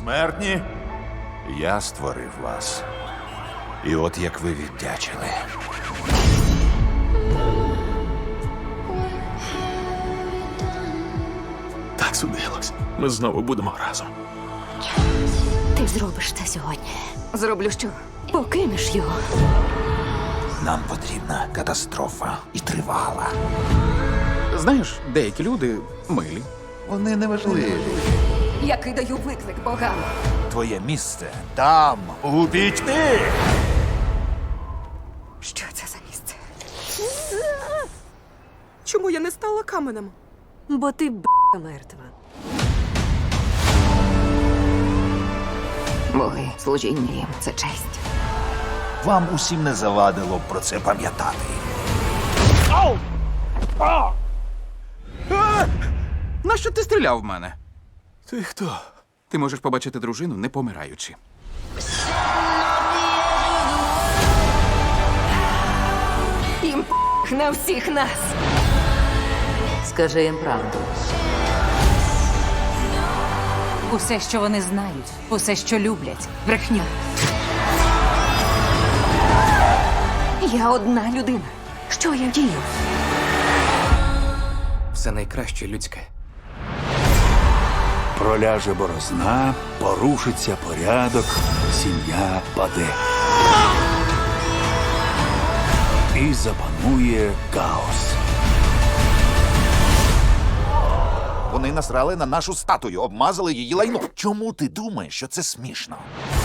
Смертні, я створив вас. І от як ви віддячили. Так судилось. Ми знову будемо разом. Ти зробиш це сьогодні. Зроблю що? Покинеш його. Нам потрібна катастрофа і тривала. Знаєш, деякі люди милі. Вони неважливі. Я кидаю виклик богам. Твоє місце там, у пітьмі. Що це за місце? Чому я не стала каменем? Бо ти мертва. Боги, служіння їм – це честь. Вам усім не завадило б про це пам'ятати. Нащо ти стріляв в мене? Ти хто? Ти можеш побачити дружину, не помираючи. Їм на всіх нас. Скажи їм правду. Усе, що вони знають, усе, що люблять, брехня. Я одна людина. Що я дію? Все найкраще людське. Проляже борозна, порушиться порядок, сім'я паде. І запанує хаос. Вони насрали на нашу статую, обмазали її лайно. Чому ти думаєш, що це смішно?